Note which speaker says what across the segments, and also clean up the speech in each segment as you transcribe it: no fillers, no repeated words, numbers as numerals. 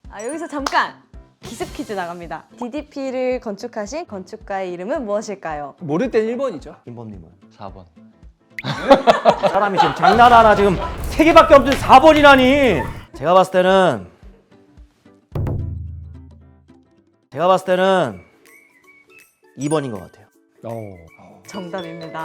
Speaker 1: 여기서 잠깐 기습 퀴즈 나갑니다. DDP를 건축하신 건축가의 이름은 무엇일까요?
Speaker 2: 모를 땐 1번이죠.
Speaker 3: 김범님은
Speaker 4: 4번.
Speaker 3: 사람이 지금 장난하나 지금 3개밖에 없는 4번이라니. 제가 봤을 때는 2번인 것 같아요.
Speaker 1: 정답입니다.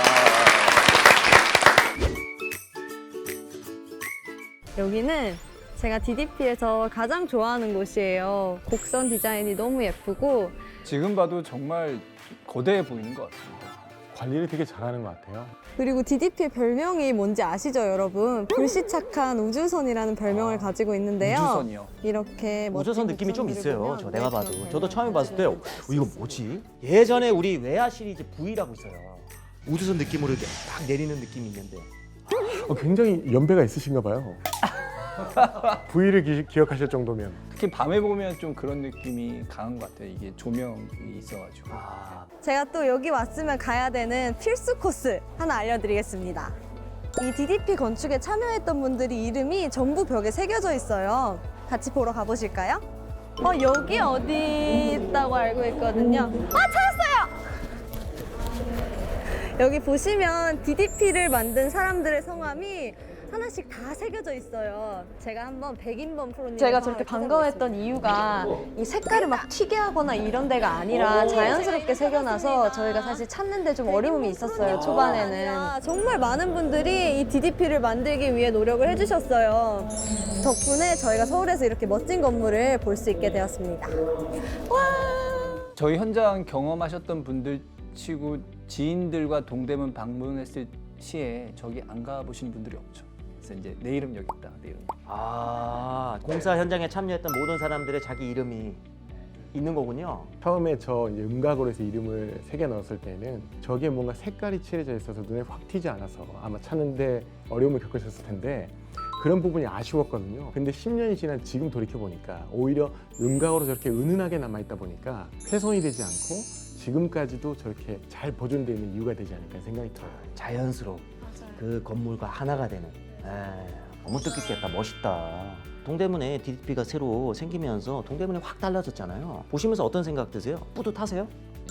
Speaker 1: 여기는 제가 DDP에서 가장 좋아하는 곳이에요. 곡선 디자인이 너무 예쁘고
Speaker 2: 지금 봐도 정말 거대해 보이는 것 같습니다.
Speaker 5: 관리를 되게 잘하는 것 같아요.
Speaker 1: 그리고 DDP의 별명이 뭔지 아시죠, 여러분? 불시착한 우주선이라는 별명을 가지고 있는데요.
Speaker 2: 우주선이요.
Speaker 1: 이렇게
Speaker 3: 우주선
Speaker 1: 멋진
Speaker 3: 느낌이 좀
Speaker 1: 곡선들을
Speaker 3: 있어요.
Speaker 1: 보면
Speaker 3: 저 내가 봐도.
Speaker 1: 그런
Speaker 3: 저도 처음에 봤을 때
Speaker 1: 별명을
Speaker 3: 이거 뭐지? 예전에 우리 외화 시리즈 V라고 있어요. 우주선 느낌으로 이렇게 딱 내리는 느낌이 있는데.
Speaker 5: 굉장히 연배가 있으신가 봐요. V를 기억하실 정도면.
Speaker 2: 특히 밤에 보면 좀 그런 느낌이 강한 것 같아요. 이게 조명이 있어가지고.
Speaker 1: 제가 또 여기 왔으면 가야 되는 필수 코스 하나 알려드리겠습니다. 이 DDP 건축에 참여했던 분들이 이름이 전부 벽에 새겨져 있어요. 같이 보러 가보실까요? 여기 어디 있다고 알고 있거든요. 찾았어요! 여기 보시면 DDP를 만든 사람들의 성함이 하나씩 다 새겨져 있어요. 제가 한번 백인범 프로님
Speaker 6: 제가 저렇게 반가워했던 이유가 이 색깔을 막 튀게 하거나 이런 데가 아니라 자연스럽게 새겨놔서 저희가 사실 찾는데 좀 어려움이 있었어요, 초반에는.
Speaker 1: 정말 많은 분들이 이 DDP를 만들기 위해 노력을 해주셨어요. 덕분에 저희가 서울에서 이렇게 멋진 건물을 볼 수 있게 되었습니다.
Speaker 2: 저희 현장 경험하셨던 분들 치고 지인들과 동대문 방문했을 시에 저기 안 가보시는 분들이 없죠. 그래서 이제 내 이름 여기 있다. 내 이름.
Speaker 3: 공사 현장에 참여했던 모든 사람들의 자기 이름이 있는 거군요.
Speaker 5: 처음에 저 이제 음각으로 해서 이름을 새겨 넣었을 때는 저게 뭔가 색깔이 칠해져 있어서 눈에 확 튀지 않아서 아마 찾는데 어려움을 겪으셨을 텐데 그런 부분이 아쉬웠거든요. 근데 10년이 지난 지금 돌이켜 보니까 오히려 음각으로 저렇게 은은하게 남아 있다 보니까 훼손이 되지 않고 지금까지도 저렇게 잘 보존되어 있는 이유가 되지 않을까 생각이 들어요.
Speaker 3: 자연스러운 그 건물과 하나가 되는. 너무 뜻깊겠다. 멋있다. 동대문에 DDP가 새로 생기면서 동대문이 확 달라졌잖아요. 보시면서 어떤 생각 드세요? 뿌듯하세요?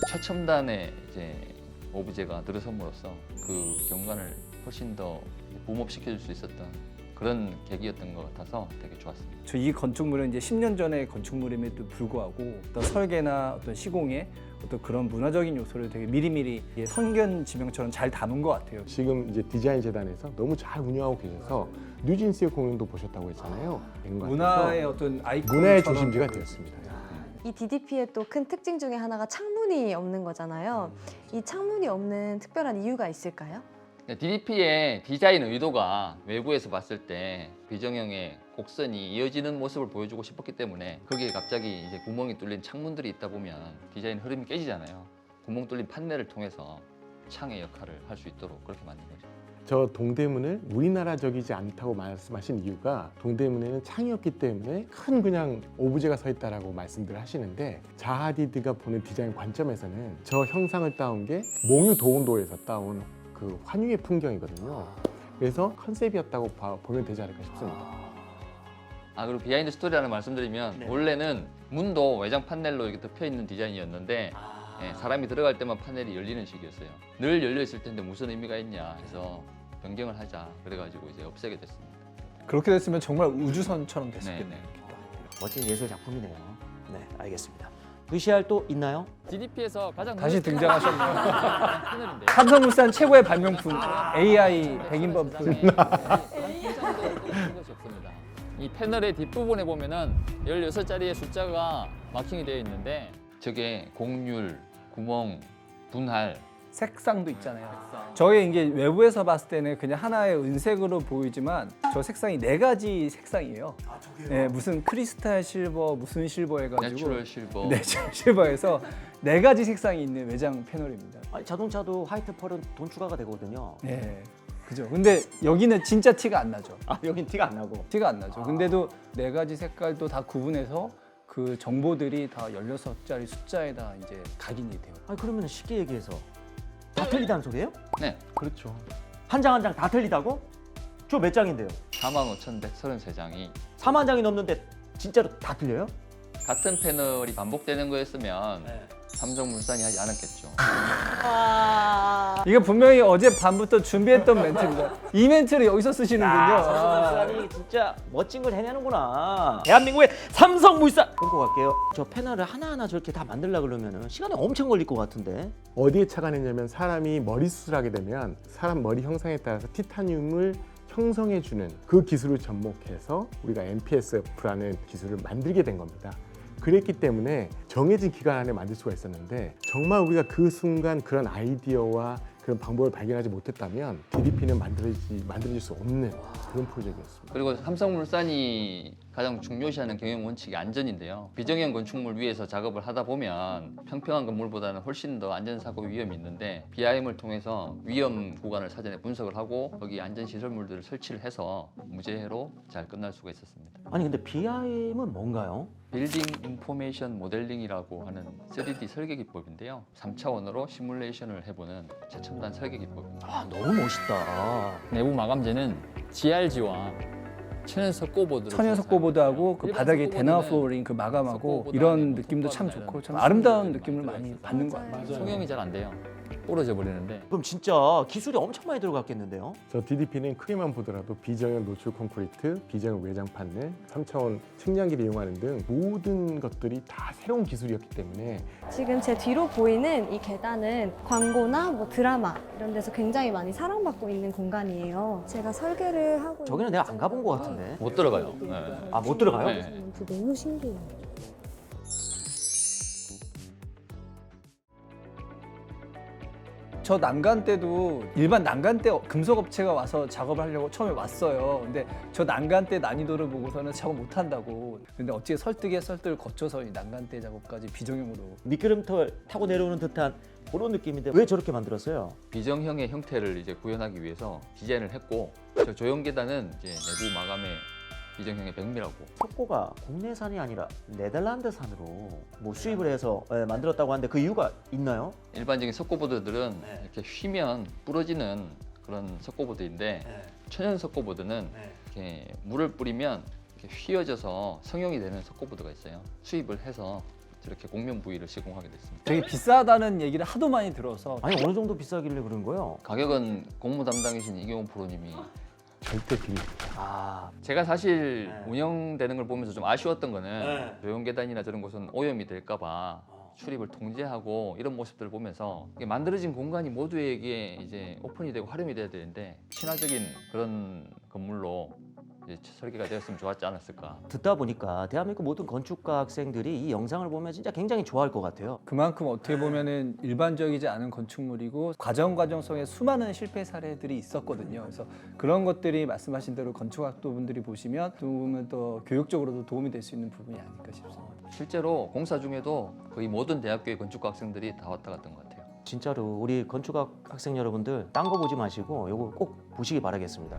Speaker 4: 최첨단의 이제 오브제가 들어섬으로써 그 경관을 훨씬 더 붐업시켜줄 수 있었던 그런 계기였던 것 같아서 되게 좋았습니다.
Speaker 2: 저 이 건축물은 이제 10년 전의 건축물임에도 불구하고 어떤 설계나 어떤 시공에 어떤 그런 문화적인 요소를 되게 미리미리 선견 지명처럼 잘 담은 것 같아요.
Speaker 5: 지금 이제 디자인 재단에서 너무 잘 운영하고 계셔서 뉴진스의 공연도 보셨다고 했잖아요. 된 것 같아서
Speaker 2: 문화의 어떤 아이콘
Speaker 5: 문화의 중심지가 되었습니다.
Speaker 6: 이 DDP의 또 큰 특징 중에 하나가 창문이 없는 거잖아요. 이 창문이 없는 특별한 이유가 있을까요?
Speaker 4: DDP의 디자인 의도가 외부에서 봤을 때 비정형의 곡선이 이어지는 모습을 보여주고 싶었기 때문에 거기에 갑자기 이제 구멍이 뚫린 창문들이 있다 보면 디자인 흐름이 깨지잖아요. 구멍 뚫린 판넬을 통해서 창의 역할을 할 수 있도록 그렇게 만든 거죠.
Speaker 5: 저 동대문을 우리나라적이지 않다고 말씀하신 이유가 동대문에는 창이었기 때문에 큰 그냥 오브제가 서 있다라고 말씀들 하시는데 자하디드가 보는 디자인 관점에서는 저 형상을 따온 게 몽유 도운도에서 따온 그 환유의 풍경이거든요. 그래서 컨셉이었다고 보면 되지 않을까 싶습니다.
Speaker 4: 그리고 비하인드 스토리 하나 말씀드리면 원래는 문도 외장 판넬로 이렇게 덮여 있는 디자인이었는데 사람이 들어갈 때만 판넬이 열리는 식이었어요. 늘 열려 있을 텐데 무슨 의미가 있냐 해서 변경을 하자 그래가지고 이제 없애게 됐습니다.
Speaker 2: 그렇게 됐으면 정말 우주선처럼 됐었겠네요.
Speaker 4: 네.
Speaker 3: 멋진 예술 작품이네요. 네, 알겠습니다. VCR 또 있나요?
Speaker 4: DDP에서 가장
Speaker 2: 다시 등장하셨네요.
Speaker 4: 패널인데요.
Speaker 2: 삼성물산 최고의 발명품 AI 백인범 프로.
Speaker 4: 이 패널의 뒷부분에 보면은 16자리의 숫자가 마킹이 되어 있는데 저게 곡률, 구멍, 분할
Speaker 2: 색상도 있잖아요. 저희 이게 외부에서 봤을 때는 그냥 하나의 은색으로 보이지만 저 색상이 4가지 색상이에요. 네, 무슨 크리스탈 실버, 무슨 실버 해가지고
Speaker 4: 내추럴 실버
Speaker 2: 내추럴 실버에서 4가지 색상이 있는 외장 패널입니다.
Speaker 3: 자동차도 화이트 펄은 돈 추가가 되거든요.
Speaker 2: 네, 그죠. 근데 여기는 진짜 티가 안 나죠.
Speaker 3: 여긴 티가 안 나고.
Speaker 2: 티가 안 나죠. 근데도 4가지 색깔도 다 구분해서 그 정보들이 다 16자리 숫자에다 이제 각인이 돼요.
Speaker 3: 그러면 쉽게 얘기해서 다 틀리다는 소리예요?
Speaker 4: 네,
Speaker 5: 그렇죠.
Speaker 3: 한 장 한 장 다 틀리다고? 저 몇 장인데요?
Speaker 4: 45,133장이
Speaker 3: 4만 장이 넘는데 진짜로 다 틀려요?
Speaker 4: 같은 패널이 반복되는 거였으면 삼성물산이 하지 않았겠죠.
Speaker 2: 이거 분명히 어제 밤부터 준비했던 멘트입니다. 이 멘트를 여기서 쓰시는군요.
Speaker 3: 삼성물산이 진짜 멋진 걸 해내는구나. 대한민국의 삼성물산 끊고 갈게요. 저 패널을 하나하나 저렇게 다 만들려고 그러면 시간이 엄청 걸릴 것 같은데.
Speaker 5: 어디에 차가 내냐면 사람이 머리 수술하게 되면 사람 머리 형상에 따라서 티타늄을 형성해주는 그 기술을 접목해서 우리가 MPSF라는 기술을 만들게 된 겁니다. 그랬기 때문에 정해진 기간 안에 만들 수가 있었는데 정말 우리가 그 순간 그런 아이디어와 그런 방법을 발견하지 못했다면 DDP는 만들어질 수 없는 그런 프로젝트였습니다.
Speaker 4: 그리고 삼성물산이 가장 중요시하는 경영 원칙이 안전인데요. 비정형 건축물 위에서 작업을 하다 보면 평평한 건물보다는 훨씬 더 안전사고 위험이 있는데 BIM을 통해서 위험 구간을 사전에 분석을 하고 거기 안전시설물들을 설치를 해서 무죄로 잘 끝날 수가 있었습니다.
Speaker 3: 아니 근데 BIM은 뭔가요?
Speaker 4: 빌딩 인포메이션 모델링이라고 하는 3D 설계 기법인데요. 3차원으로 시뮬레이션을 해보는 최첨단 설계 기법입니다.
Speaker 3: 아 너무 멋있다.
Speaker 4: 내부 마감재는 GRG와 천연 석고보드를
Speaker 2: 천연 석고보드하고 그
Speaker 4: 일반
Speaker 2: 바닥에 대나무
Speaker 4: 석고보드는
Speaker 2: 플로어링 그 마감하고
Speaker 4: 석고보드
Speaker 2: 이런
Speaker 4: 안에
Speaker 2: 느낌도 참
Speaker 4: 석고보드나
Speaker 2: 좋고 참
Speaker 4: 이런
Speaker 2: 아름다운
Speaker 4: 부품들이
Speaker 2: 느낌을
Speaker 4: 많이
Speaker 2: 많이 받는 것
Speaker 6: 맞아요.
Speaker 2: 같아요.
Speaker 4: 송영이 잘 안 돼요. 부러져 버리는데
Speaker 3: 그럼 진짜 기술이 엄청 많이 들어갔겠는데요?
Speaker 5: 저 DDP는 크기만 보더라도 비정형 노출 콘크리트, 비정형 외장 판넬, 3차원 측량기를 이용하는 등 모든 것들이 다 새로운 기술이었기 때문에
Speaker 6: 지금 제 뒤로 보이는 이 계단은 광고나 뭐 드라마 이런 데서 굉장히 많이 사랑받고 있는 공간이에요. 제가 설계를 하고
Speaker 3: 저기는 내가 안 가본 것 같은데.
Speaker 4: 못 들어가요.
Speaker 3: 아 못 들어가요?
Speaker 4: 네.
Speaker 6: 너무 신기해요.
Speaker 2: 저 난간 때도 일반 난간 때 금속 업체가 와서 작업을 하려고 처음에 왔어요. 근데 저 난간 때 난이도를 보고서는 작업 못 한다고. 근데 어찌 설득에 설득을 거쳐서 이 난간 때 작업까지 비정형으로.
Speaker 3: 미끄럼틀 타고 내려오는 듯한 그런 느낌인데 왜 저렇게 만들었어요?
Speaker 4: 비정형의 형태를 이제 구현하기 위해서 디자인을 했고 저 조형 계단은 이제 내부 마감의 비정형의 백미라고.
Speaker 3: 석고가 국내산이 아니라 네덜란드산으로 뭐 수입을 해서 만들었다고 하는데 그 이유가 있나요?
Speaker 4: 일반적인 석고보드들은
Speaker 3: 네.
Speaker 4: 이렇게 휘면 부러지는 그런 석고보드인데 천연 석고보드는 이렇게 물을 뿌리면 이렇게 휘어져서 성형이 되는 석고보드가 있어요. 수입을 해서 저렇게 곡면 부위를 시공하게 됐습니다.
Speaker 2: 되게 비싸다는 얘기를 하도 많이 들어서
Speaker 3: 아니 어느 정도 비싸길래 그런 거예요?
Speaker 4: 가격은 공무 담당이신 이경호 프로님이
Speaker 5: 절대 비밀.
Speaker 3: 아
Speaker 4: 제가 사실
Speaker 3: 네.
Speaker 4: 운영되는 걸 보면서 좀 아쉬웠던 거는
Speaker 3: 네.
Speaker 4: 조형 계단이나 저런 곳은 오염이 될까봐 출입을 통제하고 이런 모습들을 보면서 이게 만들어진 공간이 모두에게 이제 오픈이 되고 활용이 돼야 되는데 친화적인 그런 건물로 이제 설계가 되었으면 좋았지 않았을까.
Speaker 3: 듣다 보니까 대한민국 모든 건축가 학생들이 이 영상을 보면 진짜 굉장히 좋아할 것 같아요.
Speaker 2: 그만큼 어떻게 보면은 일반적이지 않은 건축물이고 과정성에 수많은 실패 사례들이 있었거든요. 그래서 그런 것들이 말씀하신 대로 건축학도 분들이 보시면 조금은 더 교육적으로도 도움이 될 수 있는 부분이 아닐까 싶습니다.
Speaker 4: 실제로 공사 중에도 거의 모든 대학교의 건축가 학생들이 다 왔다 갔던 것 같아요.
Speaker 3: 진짜로 우리 건축학 학생 여러분들 딴 거 보지 마시고 이거 꼭 보시기 바라겠습니다.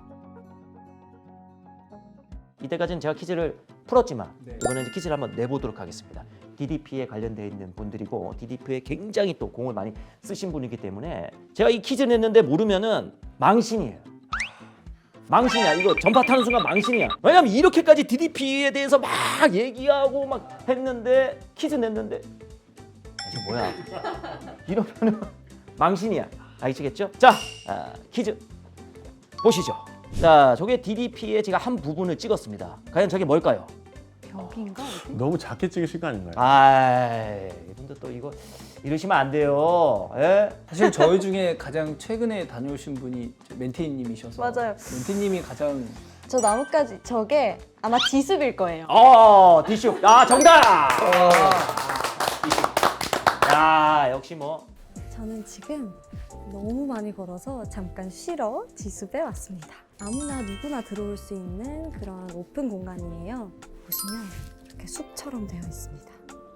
Speaker 3: 이때까지는 제가 퀴즈를 풀었지만
Speaker 2: 네.
Speaker 3: 이번에는 이제 퀴즈를 한번 내보도록 하겠습니다. DDP에 관련되어 있는 분들이고 DDP에 굉장히 또 공을 많이 쓰신 분이기 때문에 제가 이 퀴즈 냈는데 모르면은 망신이에요. 망신이야. 이거 전파 타는 순간 망신이야. 왜냐면 이렇게까지 DDP에 대해서 막 얘기하고 막 했는데 퀴즈 냈는데 이게 뭐야? 이러면은 망신이야. 아시겠죠? 자, 퀴즈 보시죠. 자, 저게 DDP의 제가 한 부분을 찍었습니다. 과연 저게 뭘까요?
Speaker 6: 벽인가?
Speaker 5: 너무 작게 찍으신 거 아닌가요?
Speaker 3: 이분들 또 이거 이러시면 안 돼요. 예?
Speaker 2: 사실 저희 중에 가장 최근에 다녀오신 분이 멘티님이셔서
Speaker 6: 맞아요.
Speaker 2: 멘티님이 가장
Speaker 6: 저 나뭇가지 저게 아마 지습일 거예요.
Speaker 3: 디슈. 야, 정답! 디슈. 야, 역시 뭐.
Speaker 6: 저는 지금 너무 많이 걸어서 잠깐 쉬러 지숲에 왔습니다. 아무나 누구나 들어올 수 있는 그런 오픈 공간이에요. 보시면 이렇게 숲처럼 되어 있습니다.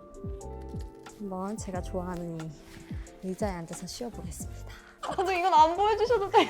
Speaker 6: 한번 제가 좋아하는 이 의자에 앉아서 쉬어보겠습니다. 저 이건 안 보여주셔도 돼요.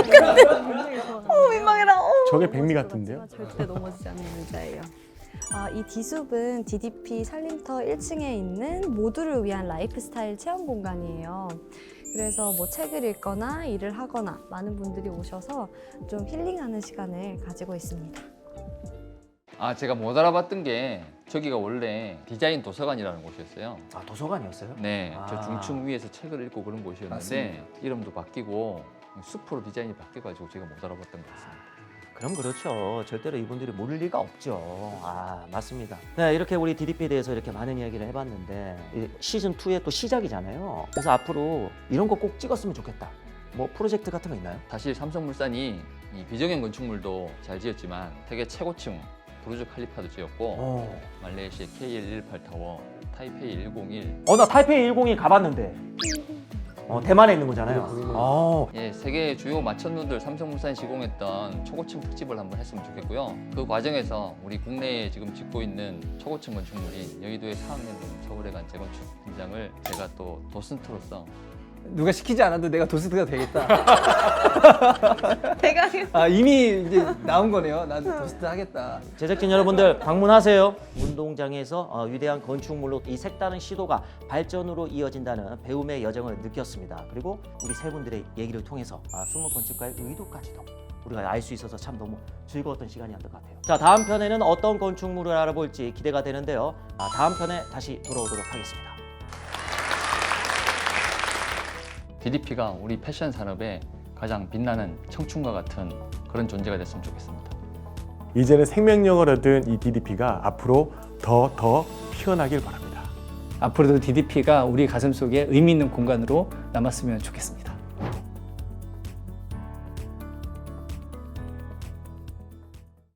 Speaker 6: 민망해라.
Speaker 5: 저게 백미 같은데요?
Speaker 6: 절대 넘어지지 않는 의자예요. 이 디숲은 DDP 살림터 1층에 있는 모두를 위한 라이프스타일 체험 공간이에요. 그래서 뭐 책을 읽거나 일을 하거나 많은 분들이 오셔서 좀 힐링하는 시간을 가지고 있습니다.
Speaker 4: 제가 못 알아봤던 게 저기가 원래 디자인 도서관이라는 곳이었어요.
Speaker 3: 아, 도서관이었어요?
Speaker 4: 네, 저
Speaker 3: 아.
Speaker 4: 중층 위에서 책을 읽고 그런 곳이었는데
Speaker 2: 맞습니다.
Speaker 4: 이름도 바뀌고 숲으로 디자인이 바뀌어가지고 제가 못 알아봤던 것 같습니다.
Speaker 3: 그럼 그렇죠. 절대로 이분들이 모를 리가 없죠. 맞습니다. 네, 이렇게 우리 DDP에 대해서 이렇게 많은 이야기를 해봤는데 이 시즌 2의 또 시작이잖아요. 그래서 앞으로 이런 거 꼭 찍었으면 좋겠다. 뭐 프로젝트 같은 거 있나요?
Speaker 4: 사실 삼성물산이 이 비정형 건축물도 잘 지었지만 세계 최고층 부르즈 칼리파도 지었고 말레이시아 KL18 타워, 타이페이 101,
Speaker 3: 나 타이페이 101 가봤는데. 대만에 있는 거잖아요.
Speaker 4: 세계 주요 마천루들 삼성물산이 시공했던 초고층 특집을 한번 했으면 좋겠고요. 그 과정에서 우리 국내에 지금 짓고 있는 초고층 건축물인 여의도의 4학년 서울에 간 재건축 현장을 제가 또 도슨트로서
Speaker 2: 누가 시키지 않아도 내가 도스트가 되겠다.
Speaker 1: 대강.
Speaker 2: 이미 이제 나온 거네요. 나도 도스트 하겠다.
Speaker 3: 제작진 여러분들 방문하세요. 운동장에서 위대한 건축물로 이 색다른 시도가 발전으로 이어진다는 배움의 여정을 느꼈습니다. 그리고 우리 세 분들의 얘기를 통해서 숨은 건축가의 의도까지도 우리가 알 수 있어서 참 너무 즐거웠던 시간이었던 것 같아요. 자, 다음 편에는 어떤 건축물을 알아볼지 기대가 되는데요. 다음 편에 다시 돌아오도록 하겠습니다.
Speaker 4: DDP가 우리 패션 산업의 가장 빛나는 청춘과 같은 그런 존재가 됐으면 좋겠습니다.
Speaker 5: 이제는 생명력을 얻은 이 DDP가 앞으로 더 피어나길 바랍니다.
Speaker 2: 앞으로도 DDP가 우리 가슴 속에 의미 있는 공간으로 남았으면 좋겠습니다.